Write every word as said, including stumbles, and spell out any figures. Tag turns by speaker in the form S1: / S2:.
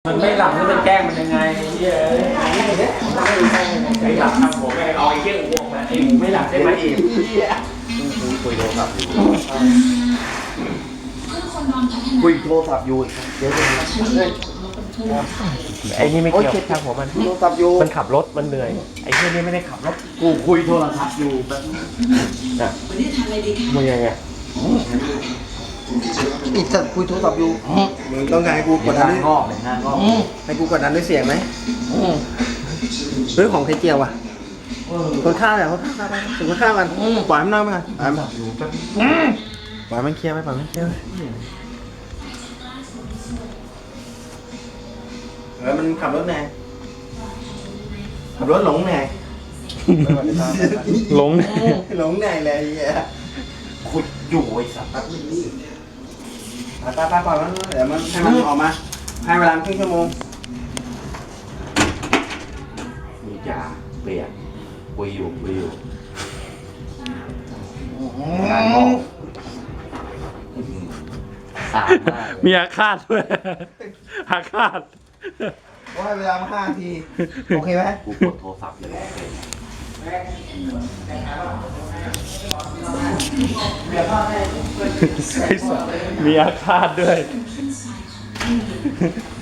S1: มันไม่หลับแล้วมันแกล้งมันยังไงเย้ไอ้หลับทำผมไงเอาไอ้เกี้ยงอ้วกมาไอ้หมูไม่หลับใช่ไหมอีกคุยโทรศัพท์อยู่คุยโทรศัพท์อยู่เดี๋ยวไอ้นี่ไม่เกี่ยวทางผมมันโทรศัพท์อยู่มันขับรถมันเหนื่อยไอ้เกี้ยนี่ไม่ได้ขับรถกูคุยโทรศัพท์อยู่แบบน่ะมึงยังไงอีกสัตว์คุยโทรศัพท์อยู่มึงต้องการให้กูกดดันด้วยงอกเลยหน้างอกให้กูกดดันด้วยเสียงไหมเรื่องของไข่เจียวอ่ะคนฆ่าเนี่ยคนฆ่าไปถึงคนฆ่ามันปล่อยมันนั่งไปก่อนปล่อยมันปล่อยมันเคลียร์ไปปล่อยมันเคลียร์ไปเออมันขับรถไงขับรถหลงไง
S2: หลง
S1: หลงไงเลยขุดอยู่ไอ้สัตว์ไปไปไปปล่อยมันเดี๋ยวมันให้มันออกมาให้เวลาครึ่งชั่วโมงมีจ่าเปียกคุยอยู่คุยอยู่งานงอกสาม
S2: มีอาฆาตด้วยอาฆาต
S1: ว่าให้เวลามาห้าที โอเคไหมกูกดโทรศัพท์เลย
S2: มีอาฆาตด้วย